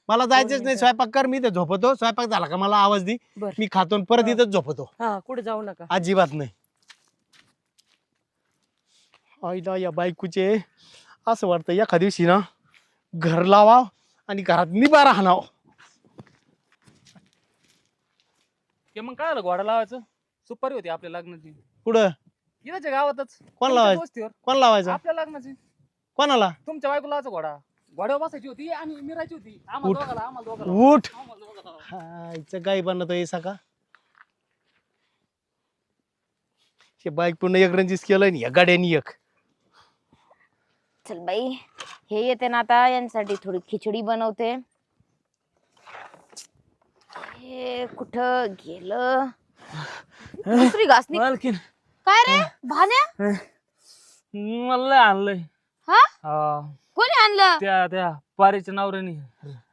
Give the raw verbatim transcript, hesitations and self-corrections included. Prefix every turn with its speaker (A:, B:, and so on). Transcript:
A: मला जायचंच नाही. स्वयंपाक कर, मी ते झोपतो. स्वयंपाक झाला का मला आवाज दे, मी खातो आणि परत इथंच झोपतो.
B: हा कुठे जाऊ नका.
A: अजिबात नाही. आईला या बायकोचे असं वाटतं एका दिवशी ना घर लावा आणि घरात निबारा हाणाव.
C: ते मग काय आलं घोडा लावायचं? सुपारी होती आपल्या लग्नाची
A: कुठं?
C: इथंच्या गावातच.
A: कोण
C: तुमच्या
A: लावायचं?
C: वस्तीवर.
A: कोण लावायचा?
C: आपल्या लग्नाची.
A: कोणाला?
C: तुमच्या बायको लावायचा घोडा. घोड्यावर बसायची होती आणि मिरायची होती. आम्हाला
A: उठ.
C: दोघाला आम्हाला दोघाला
A: उठ.
C: आम्हाला दोघाला.
A: हायचं काय बनतो हे सका हे बाईक पूर्ण एक रंजीस केलं आणि या गाड्यानी एक.
D: चल बाई हे येते ना आता यांसाठी थोडी खिचडी बनवते. हे कुठं गेलं दुसरी घासणी.
C: मालकीन
D: काय रे भान्या
C: मला आणलंय.
D: हा
C: हा
D: कोणी आणलं?
C: त्या त्या पारीच्या नवऱ्याने.